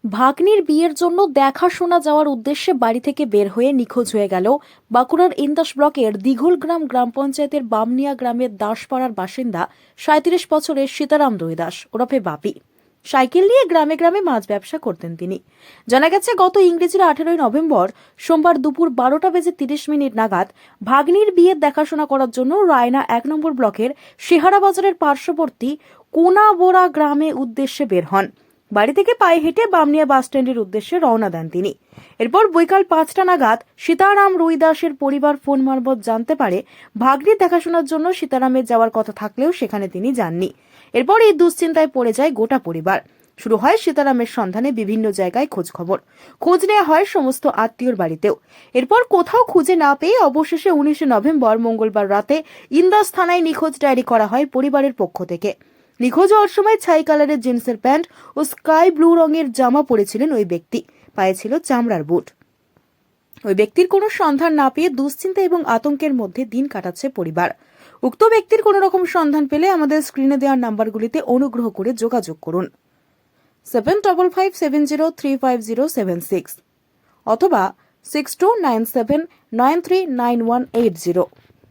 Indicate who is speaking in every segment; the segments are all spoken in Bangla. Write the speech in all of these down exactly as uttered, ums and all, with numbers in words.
Speaker 1: ভাগ্নির বিয়ের জন্য দেখাশোনা যাওয়ার উদ্দেশ্যে বাড়ি থেকে বের হয়ে নিখোঁজ হয়ে গেল বাঁকুড়ার ইন্দাস ব্লকের দিঘলগ্রাম গ্রাম পঞ্চায়েতের বামনিয়া গ্রামের দাসপাড়ার বাসিন্দা সাঁত্রিশ বছরের সীতারাম রুইদাস ওরফে বাপি। সাইকেল নিয়ে গ্রামে গ্রামে মাছ ব্যবসা করতেন তিনি। জানা গেছে গত ইংরেজির আঠেরোই নভেম্বর সোমবার দুপুর বারোটা বেজে তিরিশ মিনিট নাগাদ ভাগ্নির বিয়ের দেখাশোনা করার জন্য রায়না এক নম্বর ব্লকের সিহারা বাজারের পার্শ্ববর্তী কোনাবোড়া গ্রামে উদ্দেশ্যে বের হন। বাড়ি থেকে পায়ে হেঁটে বামনিয়া বাস স্ট্যান্ডের উদ্দেশ্যে রওনা দেন তিনি। এরপর বৈকাল পাঁচটা নাগাদ সীতারাম রুইদাসের পরিবার ফোন মারফত জানতে পারে ভাগ্নির দেখাশোনার জন্য সীতারামের যাওয়ার কথা থাকলেও সেখানে তিনি যাননি। এরপর এই দুশ্চিন্তায় পড়ে যায় গোটা পরিবার। শুরু হয় সীতারামের সন্ধানে বিভিন্ন জায়গায় খোঁজ খবর খোঁজ নেওয়া হয় সমস্ত আত্মীয়র বাড়িতেও। এরপর কোথাও খুঁজে না পেয়ে অবশেষে উনিশে নভেম্বর মঙ্গলবার রাতে ইন্দাস থানায় নিখোঁজ ডায়েরি করা হয় পরিবারের পক্ষ থেকে। নিখোঁজ হওয়ার সময় ছাই কালারের জিন্সের প্যান্ট ও স্কাই ব্লু রঙের জামা পরেছিলেন ওই ব্যক্তি। পায়ে ছিল চামড়ার বুট। ওই ব্যক্তির কোনো সন্ধান না পেয়ে দুশ্চিন্তা এবং আতঙ্কের মধ্যে দিন কাটাচ্ছে পরিবার। উক্ত ব্যক্তির কোনো রকম সন্ধান পেলে আমাদের স্ক্রিনে দেওয়ার নাম্বারগুলিতে অনুগ্রহ করে যোগাযোগ করুন seven double five seven zero three five zero seven six অথবা six two nine seven nine three nine one eight zero.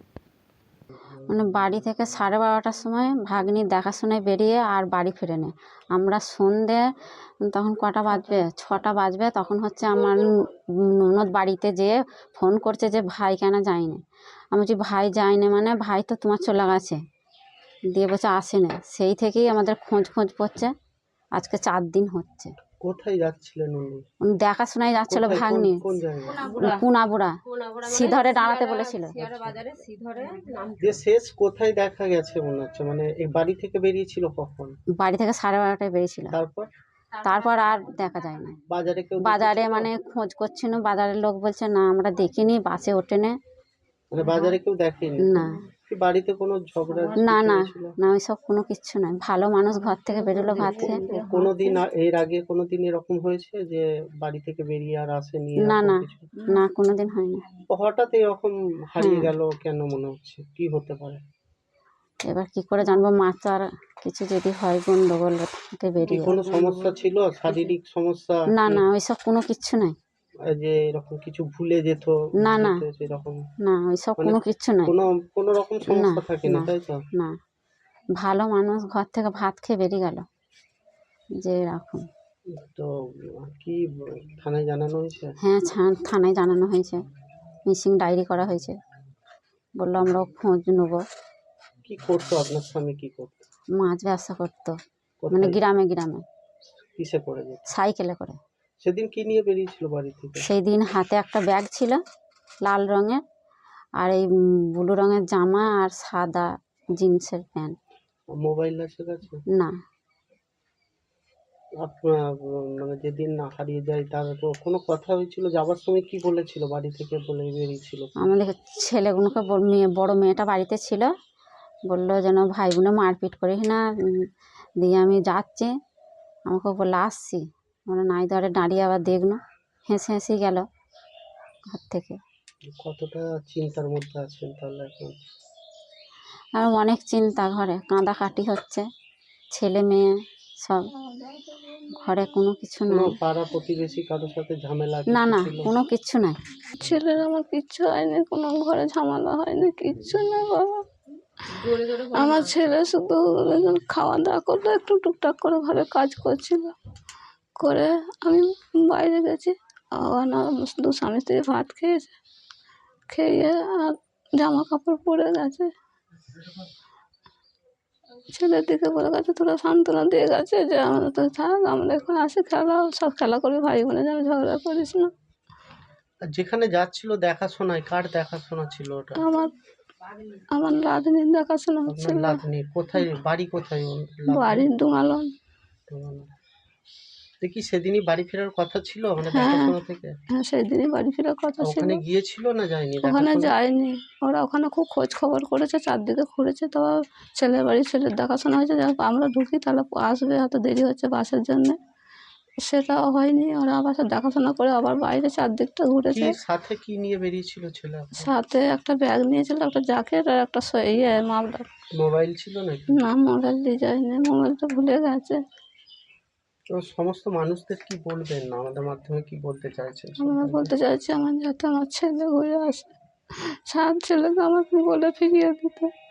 Speaker 2: মানে বাড়ি থেকে সাড়ে বারোটার সময় ভাগ্নির দেখাশোনায় বেরিয়ে আর বাড়ি ফিরেনি। আমরা সন্ধে তখন কটা বাজবে, ছটা বাজবে, তখন হচ্ছে আমার ননদ বাড়িতে যেয়ে ফোন করছে যে ভাই কেন যায়নি। আমি বলছি ভাই যায়নি মানে ভাই তো তোমার চলে গেছে, দিয়ে বলছে আসেনি। সেই থেকেই আমাদের খোঁজ খোঁজ পড়ছে, আজকে চার দিন হচ্ছে।
Speaker 3: কোথায় যাচ্ছিলেন উনি?
Speaker 2: উনি দেখাশোনায় যাচ্ছিল
Speaker 3: কোথায়?
Speaker 2: ভাগ্নি,
Speaker 3: কোন জায়গায়?
Speaker 2: কুনাবুড়া সিধরে দাঁড়াতে বলেছিল।
Speaker 3: যে শেষ কোথায় দেখা গেছে মনে হচ্ছে, মানে এই বাড়ি থেকে বেরিয়েছিল কখন?
Speaker 2: বাড়ি থেকে সাড়ে বারোটায় বেরিয়েছিল,
Speaker 3: তারপর
Speaker 2: তারপর আর দেখা যায় না।
Speaker 3: বাজারে কেউ
Speaker 2: বাজারে
Speaker 3: দেখেছিল?
Speaker 2: মানে খোঁজ করছিল, বাজারের লোক বলছে না আমরা দেখিনি, বাসে ওঠেনে।
Speaker 3: মানে বাজারে কেউ দেখেনি?
Speaker 2: না
Speaker 3: কি বাড়িতে কোনো ঝগড়া
Speaker 2: না না
Speaker 3: ছিল?
Speaker 2: না ওইসব কোনো কিচ্ছু নাই, ভালো মানুষ, ঘর থেকে বেরোলো ভাত খেয়ে।
Speaker 3: কোনোদিন আ- এর আগে কোনোদিন এরকম হয়েছে যে বাড়ি থেকে বেরিয়ে আর আসেনি?
Speaker 2: না
Speaker 3: এরকম
Speaker 2: না
Speaker 3: কিছু?
Speaker 2: না কোনোদিন হয়নি।
Speaker 3: হঠাৎ এরকম হারিয়ে
Speaker 2: হ্যাঁ।
Speaker 3: গেল কেন মনে হচ্ছে? কি হতে পারে?
Speaker 2: এবার কি করে জানবো, মাছ আর কিছু যদি হয় গন্ডগোল থেকে
Speaker 3: কি
Speaker 2: বেরিয়ে।
Speaker 3: কোনো সমস্যা ছিল, শারীরিক সমস্যা?
Speaker 2: না
Speaker 3: কি?
Speaker 2: না ওইসব কোনো কিচ্ছু নাই।
Speaker 3: এই যে এরকম কিছু ভুলে যেত,
Speaker 2: না না
Speaker 3: যেত সেরকম
Speaker 2: না ওইসব
Speaker 3: মানে
Speaker 2: কোনো কিচ্ছু নাই।
Speaker 3: কোনো কোনো রকম
Speaker 2: না
Speaker 3: সমস্যা থাকেনি,
Speaker 2: না
Speaker 3: তাই তো?
Speaker 2: না ভালো মানুষ, ঘর থেকে ভাত খেয়ে বেরিয়ে গেল যে এরকম।
Speaker 3: তো কি থানায় জানানো হয়েছে?
Speaker 2: হ্যাঁ ছা- থানায় জানানো হয়েছে, মিসিং ডায়েরি করা হয়েছে, বললো আমরাও খোঁজ নেবো।
Speaker 3: কি করতো আপনার স্বামী, কি করতো?
Speaker 2: মাছ ব্যবসা করতো, মানে
Speaker 3: কোথায়?
Speaker 2: গ্রামে গ্রামে
Speaker 3: কিসে করে যেত?
Speaker 2: সাইকেলে করে।
Speaker 3: সেদিন কি নিয়ে বেরিয়েছিল বাড়ি থেকে?
Speaker 2: সেই দিন হাতে একটা ব্যাগ ছিল লাল রঙের, আর এই ব্লু রঙের জামা আর সাদা জিন্সের প্যান্ট।
Speaker 3: মোবাইল আছে কাছে?
Speaker 2: না
Speaker 3: আপনার মানে যেদিন হারিয়ে যায় তার তো কোনো কথা হয়েছিল যাবার সময়? কি বলেছিল বাড়ি থেকে বলে বেরিয়েছিল?
Speaker 2: আমাদের ছেলেগুলোকে বল- মেয়ে বড় মেয়েটা বাড়িতে ছিল, বললো যেন ভাই বোনে মারপিট করিস না, উম, দিয়ে আমি যাচ্ছি, আমাকে বললো আসছি, আমরা নাই ধরে দাঁড়িয়ে আবার দেখলো, হেসে হেসে গেল ঘর থেকে।
Speaker 3: কতটা চিন্তার মধ্যে আছেন তাহলে এখন?
Speaker 2: আর অনেক চিন্তা, ঘরে কাঁদাকাটি হচ্ছে, ছেলে মেয়ে সব, ঘরে কোনো কিছু
Speaker 3: কোনো
Speaker 2: নাই।
Speaker 3: পাড়া প্রতিবেশী কারোর সাথে ঝামেলা
Speaker 2: না
Speaker 3: কিছু
Speaker 2: না
Speaker 3: ছিল?
Speaker 2: কোনো কিচ্ছু নাই।
Speaker 4: ছেলের আমার কিচ্ছু হয়নি, কোনো ঘরে ঝামেলা হয়নি, কিচ্ছু না বাবা। আমার ছেলে শুধু খাওয়া দাওয়া করলো, একটু টুকটাক করে ঘরে কাজ করছিল, করে আমি বাইরে গেছি, আবার না শুধু স্বামী স্ত্রী ভাত খেয়েছে, খেয়ে আর জামা কাপড় পরে গেছে। ছেলের দিকে বলে গেছে, তোরা সান্ত্বনা দিয়ে গেছে যে আমরা তো থাক, আমরা এখন আসি, খেলা সব খেলা করবি, ভাই বোনে যেন ঝগড়া করিস না।
Speaker 3: আর যেখানে যাচ্ছিল দেখাশোনায়, কার দেখাশোনা ছিল ওটা?
Speaker 4: আমার আমার রাধুনির দেখাশোনা
Speaker 3: আপনার
Speaker 4: হচ্ছিল।
Speaker 3: নাতনি কোথায়, বাড়ি কোথায় ওর?
Speaker 4: বাড়ির ডুঙালন।
Speaker 3: দেখি সেদিনই বাড়ি ফেরার কথা ছিল মানে
Speaker 4: হ্যাঁ
Speaker 3: দেখাশোনা থেকে?
Speaker 4: হ্যাঁ সেই দিনই বাড়ি ফেরার কথা ছিল।
Speaker 3: ওখানে গিয়েছিল না যায়নি
Speaker 4: ওখানে
Speaker 3: দেখাশোনা?
Speaker 4: যায়নি, ওরা ওখানে খুব খোঁজ খবর করেছে, চারদিকে ঘুরেছে, তো ছেলের বাড়ি ছেলের দেখাশোনা হয়েছে, যাক আমরা ঢুকি তাহলে আসবে, হয়তো দেরি হচ্ছে বাসের জন্যে, সেটাও হয়নি। ওরা আবার সব দেখাশোনা করে আবার বাইরে চারদিকটা
Speaker 3: কি
Speaker 4: ঘুরেছে।
Speaker 3: সাথে কি নিয়ে বেরিয়েছিল ছেলে আপনার?
Speaker 4: সাথে একটা ব্যাগ নিয়েছিল, একটা জ্যাকেট আর একটা স- ইয়ে মাফলার।
Speaker 3: মোবাইল ছিল নাকি?
Speaker 4: না মোবাইল দিয়ে যায়নি, মোবাইলটা ভুলে গেছে।
Speaker 3: তো সমস্ত মানুষদের কি বলবেন, আমাদের মাধ্যমে কি বলতে চাইছেন
Speaker 4: আমরা
Speaker 3: সবাইকে?
Speaker 4: বলতে চাইছি আমার যাতে আমার ছেলে ঘুরে আসে, সাত ছেলেকে আমাকে বলে ফিরিয়ে দিতে।